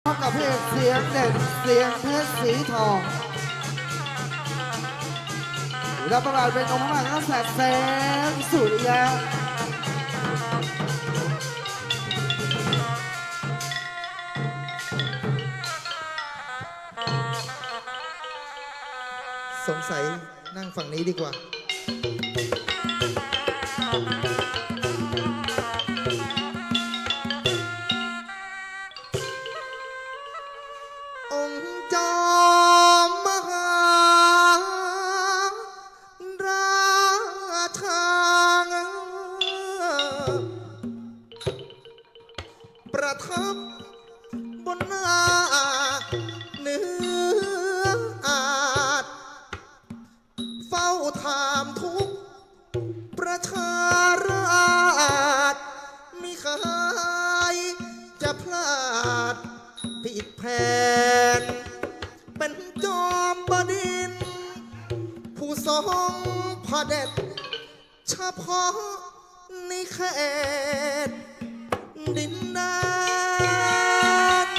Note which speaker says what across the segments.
Speaker 1: กับเพลงเสียงเด่นเสียงเพชรสีทองรับประกาศเป็นองค์พระมหากษัตริย์แสงสุริยะ
Speaker 2: สงสัยนั่งฝั่งนี้ดีกว่าองค์จอมมหาราชาประทับบนหน้าเนื้ออาจเฝ้าถามทุกประชาราษฎร์มิเคยจะพลาดผิดแผนเป็นจอมบดินทร์ผู้ทรงพระเด็จเฉพาะในเขตดินแดน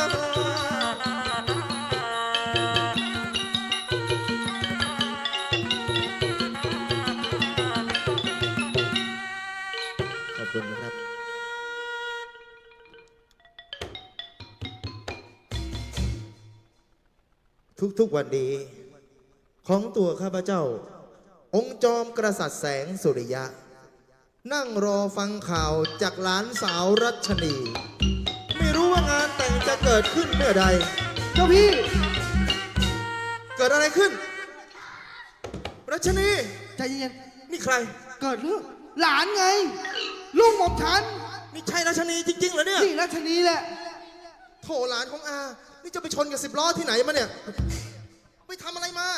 Speaker 2: ขอบคุณนะครับทุกๆวันนี้ของตัวข้าพเจ้าองค์จอมกษัตริย์แสงสุริยะนั่งรอฟังข่าวจากหลานสาวรัชนีไม่รู้ว่างานแต่งจะเกิดขึ้นเมื่อใด
Speaker 1: เจ้าพี่
Speaker 2: เกิดอะไรขึ้นรัชนี
Speaker 1: ใจเย็น
Speaker 2: นี่ใคร
Speaker 1: เกิดเรื่องหลานไงลูกหม่อมฉัน
Speaker 2: นี่ใช่รัชนีจริงๆเหรอเนี่ย
Speaker 1: นี่รัชนีแหละ
Speaker 2: โถหลานของอานี่จะไปชนกับ10 ล้อที่ไหนมาเนี่ยไปทำอะไรมา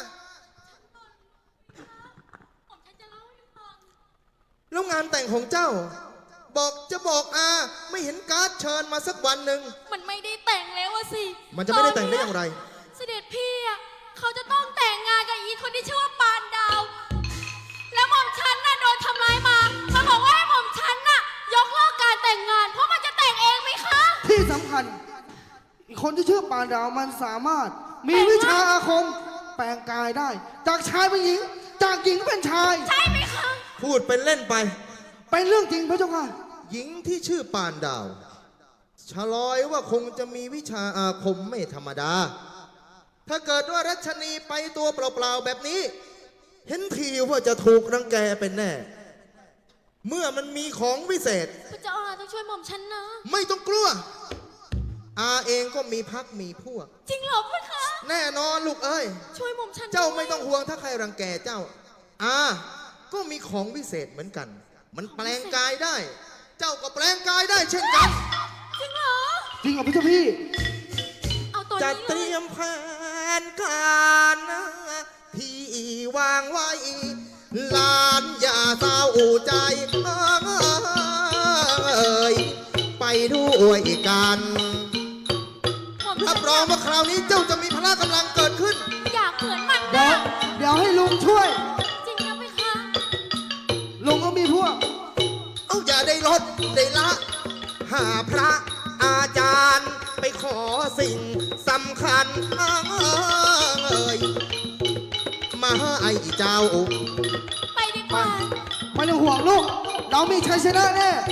Speaker 2: แล้วงานแต่งของเจ้าบอกอาไม่เห็นการ์ดเชิญมาสักวันหนึ่ง
Speaker 3: มันไม่ได้แต่งแล้วสิ
Speaker 2: มันจะไม่ได้แต่งได้อย่างไร
Speaker 3: เสด็จพี่อ่ะเขาจะต้องแต่งงานกับอีคนที่ชื่อว่าปานดาวแล้วหม่อมฉันน่ะโดนทำร้ายมาบอกว่าให้หม่อมฉันน่ะยกเลิกการแต่งงานเพราะมันจะแต่งเองไหมคะ
Speaker 1: ที่สำคัญอีกคนที่ชื่อปานดาวมันสามารถมีวิชาอาคมแปลงกายได้จากชายเป็นหญิงจากหญิงเป็นชาย
Speaker 3: ใช่ไหมคะ
Speaker 2: พูดเป็นเล่นไป
Speaker 1: เป็นเรื่องจริงพระเจ้าค่ะ
Speaker 2: หญิงที่ชื่อปานดาวฉลอยว่าคงจะมีวิชาอาคมไม่ธรรมดาถ้าเกิดว่ารัชนีไปตัวเปล่าๆแบบนี้เห็นทีว่าจะถูกรังแกเป็นแน่เมื่อมันมีของวิเศษ
Speaker 3: พระเจ้าอาต้องช่วยหม่อมฉันนะ
Speaker 2: ไม่ต้องกลัวอาเองก็มีพักมีพวก
Speaker 3: จริงเหรอพ่อคะ
Speaker 2: แน่นอนลูกเอ้ย
Speaker 3: ช่วยหม่อมฉัน
Speaker 2: เจ้าไม่ต้องห่วงถ้าใครรังแกเจ้าอาก็มีของวิเศษเหมือนกันมันแปลงกายได้เจ้าก็แปลงกายได้เช่นกัน
Speaker 3: จริงเหรอ
Speaker 1: จริงเหรอพี่เจ้าพี่
Speaker 3: เอาตัว
Speaker 2: จะเตรียมแผนการที่วางไว้หลานอย่าเศร้าใจไปด้วยกันรับรองว่าคราวนี้เจ้าจะมีพละกำลังเกิดขึ้น
Speaker 3: อยากเหมือนมัน
Speaker 1: นะเดี๋ยวให้ลุงช่วย
Speaker 3: จริงนะไหมคะ
Speaker 1: ลุงก็มีพวก
Speaker 2: อย่าได้ลดได้ละหาพระอาจารย์ไปขอสิ่งสำคัญมาให้เจ้า
Speaker 3: ไปดีกว่า
Speaker 1: ไม่ต้องห่วงลูกเรามีชัยชนะแน่